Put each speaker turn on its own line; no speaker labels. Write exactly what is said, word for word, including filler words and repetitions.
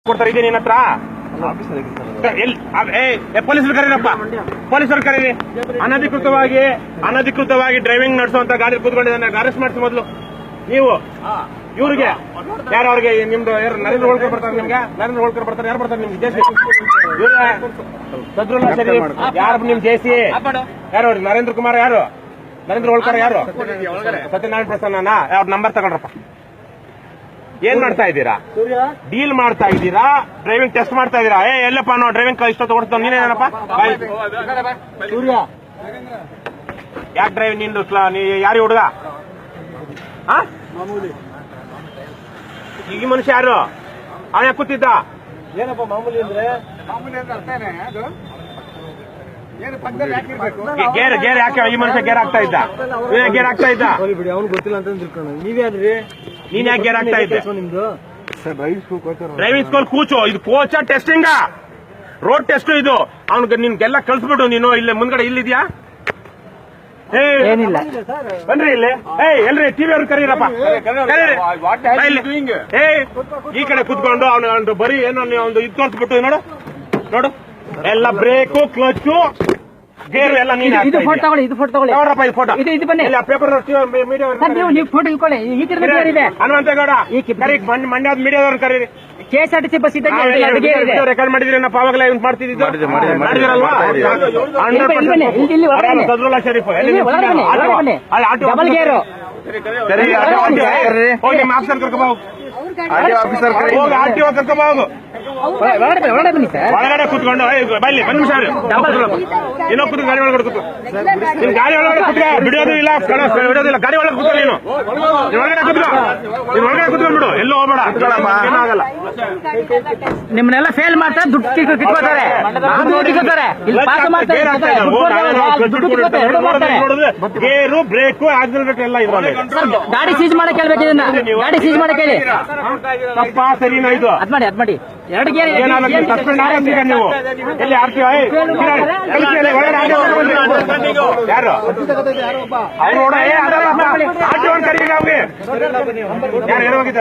ಕೊಡ್ತಾರೆ ಇದೆ ನಿನ್ನ ಹತ್ರ ಪೊಲೀಸರು ಕರೀರಪ್ಪ, ಪೊಲೀಸರು ಕರೀರಿ. ಅನಧಿಕೃತವಾಗಿ ಅನಧಿಕೃತವಾಗಿ ಡ್ರೈವಿಂಗ್ ನಡೆಸುವಂತ ಗಾಡಿ ಕೂತ್ಕೊಂಡಿದ್ದಾನೆ, ಅರೆಸ್ಟ್ ಮಾಡಿಸಿ ಮೊದಲು ನೀವು. ಇವ್ರಿಗೆ ಯಾರು ಅವ್ರಿಗೆ ನಿಮ್ದು ಯಾರು ನರೇಂದ್ರ ಹೋಳ್ಕರ್ ಬರ್ತಾರೆ, ನಿಮ್ಗೆ ನರೇಂದ್ರ ಹೋಳ್ಕರ್ ಬರ್ತಾರೆ, ಯಾರು ಬರ್ತಾರೆ ನಿಮ್ಗೆ ಜೇಸಿ ಸದ್ರುಲ್ಲಾ ಶರೀಫ್ ಯಾರು ನಿಮ್ ಜೇಸಿ ಯಾರು? ನರೇಂದ್ರ ಕುಮಾರ್ ಯಾರು? ನರೇಂದ್ರ ಹೋಳ್ಕರ್ ಯಾರು? ಸತ್ಯನಾರಾಯಣ ಪ್ರಸನ್ನ ಅವ್ರ ನಂಬರ್ ತಗೊಂಡ್ರಪ್ಪ. ಏನ್ ಮಾಡ್ತಾ ಇದ್ದೀರಾ? ಡೀಲ್ ಮಾಡ್ತಾ ಇದ್ದೀರಾ? ಡ್ರೈವಿಂಗ್ ಟೆಸ್ಟ್ ಮಾಡ್ತಾ ಇದ್ದೀರಾ? ಏ ಎಲ್ಲಪ್ಪ ನಾವು ಡ್ರೈವಿಂಗ್ ಇಷ್ಟೊತ್ತು ಓಡಿಸ್ತಾವ ನೀನೇನಪ್ಪ? ಸೂರ್ಯ ಯಾಕೆ ಡ್ರೈವಿಂಗ್ ನಿಂದು ಯಾರು ಹುಡುಗ? ಈ ಮನುಷ್ಯ ಯಾರು? ಅವನ ಯಾಕೆ ಕೂತಿದ್ದ?
ಏನಪ್ಪ ಮಾಮೂಲಿ ಅಂದ್ರೆ? ಮಾಮೂಲಿ ಅಂದ್ರೆ ಅರ್ಥನೇ ಅದು.
ಗೇರ್ ಗೇರ್ ಯಾಕೆ ಈ ಮನುಷ್ಯ ಗೇರ್ ಆಗ್ತಾ ಇದ್ದ? ಗೇರ್ ಆಗ್ತಾ ಇದ್ದ?
ಬಿಡಿ, ಅವ್ನು ಗೊತ್ತಿಲ್ಲ ಅಂತ ತಿಳ್ಕೊಂಡು ನೀವ್ಯಾದ್ರಿ?
ನೀನ್ ಯಾಕೆ ಗೇರ್ ಆಗ್ತಾ ಇದ್ದೆ?
ನಿಮ್ದು
ಡ್ರೈವಿಂಗ್ ಸ್ಕೂಲ್ ಕೂಚು. ಇದು ಕೋಚ ಟೆಸ್ಟಿಂಗ್, ರೋಡ್ ಟೆಸ್ಟ್ ಇದು. ಅವ್ನಿಗೆ ನಿನ್ಗೆಲ್ಲ ಕಳ್ಸ್ಬಿಟ್ಟು ನೀನು ಇಲ್ಲೇ ಮುಂದ್ಗಡೆ ಇಲ್ಲಿದ್ಯಾ?
ಏನಿಲ್ಲ
ಬನ್ರಿ ಇಲ್ಲಿ. ಏಯ್ ಎಲ್ರಿ ಟಿವಿ ಅವ್ರು ಕರೀರಪ್ಪ, ಏ ಈ ಕಡೆ ಕುತ್ಕೊಂಡು ಅವನು ಬರೀ ಏನೋ ಒಂದು ಇದು ತೋರಿಸ್ಬಿಟ್ಟು ನೋಡು ನೋಡು ಎಲ್ಲ ಬ್ರೇಕು ಕ್ಲಚ್ ಗೇರು ಎಲ್ಲ ನೀನು
ಇದು ಫೋಟೋ ತಗೊಳ್ಳಿ, ಇದು ಫೋಟೋ ತಗೊಳ್ಳಿ.
ನೋಡ್ರಪ್ಪ ಇದು ಫೋಟೋ.
ಇದು ಇದು ಬನ್ನಿ
ಪೇಪರ್ ಮೀಡಿಯಾ
ನೀವು ಫೋಟೋ ಇಟ್ಕೊಳ್ಳಿ. ಈ ತಿರುಗಿ ಇದೆ
ಹನುಮಂತೇಗೌಡ ಕರಿ, ಮಂಡ್ಯದ ಮೀಡಿಯಾದವ್ರನ್ನ ಕರೀರಿ.
K S R T C bus ಇದ್ದಂಗೆ
ರೆಕಾರ್ಡ್ ಮಾಡಿದ್ರಿ, ನಾವು ಅವಾಗಲೇ ಮಾಡ್ತಿದ್ದಿದ್ದು ಸದ್ರುಲ್ಲಾ ಶರೀಫ್
ಡಬಲ್ ಗೇರು
ಹೋಗಿ ನಿಮ್ಮ ಆಫೀಸರ್ ಕರ್ಕೊಂಬ ಹೋಗಿ, ಆರ್ ಟಿ ಒ ಕರ್ಕೊಂಬ ಹೋಗು.
ಬನ್ನಿ ಸರ್,
ಒಳಗಡೆ ಕೂತ್ಕೊಂಡು ಬಲ್ಲಿ ಒಂದು ನಿಮಿಷ ಇನ್ನೋ ಕೂತು ಗಾಡಿ ಒಳಗಡೆ ಕೂತು. ನಿಮ್ ಗಾಡಿ ಒಳಗಡೆ ಕೂತ್ಕ, ಬಿಡೋದು ಇಲ್ಲ ಬಿಡೋದಿಲ್ಲ. ಗಾಡಿ ಒಳಗೆ ಕೂತ್ಕೊಳ್ಳಿ ನೀನು, ನೀನ್ ಒಳಗಡೆ ಕೂತ್ಕೊ, ನೀನ್ ಒಳಗಡೆ ಕೂತ್ಕೊಂಡ್ಬಿಡು, ಎಲ್ಲೂ ಹೋಗ್ಬೇಡ, ಏನಾಗಲ್ಲ.
ನಿಮ್ಮನ್ನೆಲ್ಲ ಫೇಲ್ ಮಾಡ್ತಾರೆ, ದುಡ್ಡು ಕಿತ್ಕೋತಾರೆ, ಇಲ್ಲಿ ಪಾಸ್ ಮಾಡ್ತಾರೆ,
ಗೇರು ಬ್ರೇಕು ಆಕ್ಸಿಲರೇಟರ್ ಎಲ್ಲ ಇದ್ರಲ್ಲಿ.
ಗಾಡಿ ಸೀಜ್ ಮಾಡಕ್ ಹೇಳ್ಬೇಕು, ಇದನ್ನ ಗಾಡಿ ಸೀಜ್ ಮಾಡಕ್ ಹೇಳಿ.
ತಪ್ಪ ಸರಿನಾ ಇದು?
ಅದ್ ಮಾಡಿ ಅದ್ ಮಾಡಿ ಎರಡು ಗೇರ್
ಸಸ್ಪೆಂಡ್ ಆಗೀಗ ನೀವು ಎಲ್ಲಿ ಆರ್ಟಿ ಯಾರು ಅವ್ರು ಆರ್ಟಿ ಒನ್ ಕರೀಗ ಅವ್ರಿಗೆ ಯಾರು ಹೋಗಿದ್ದಾರೆ?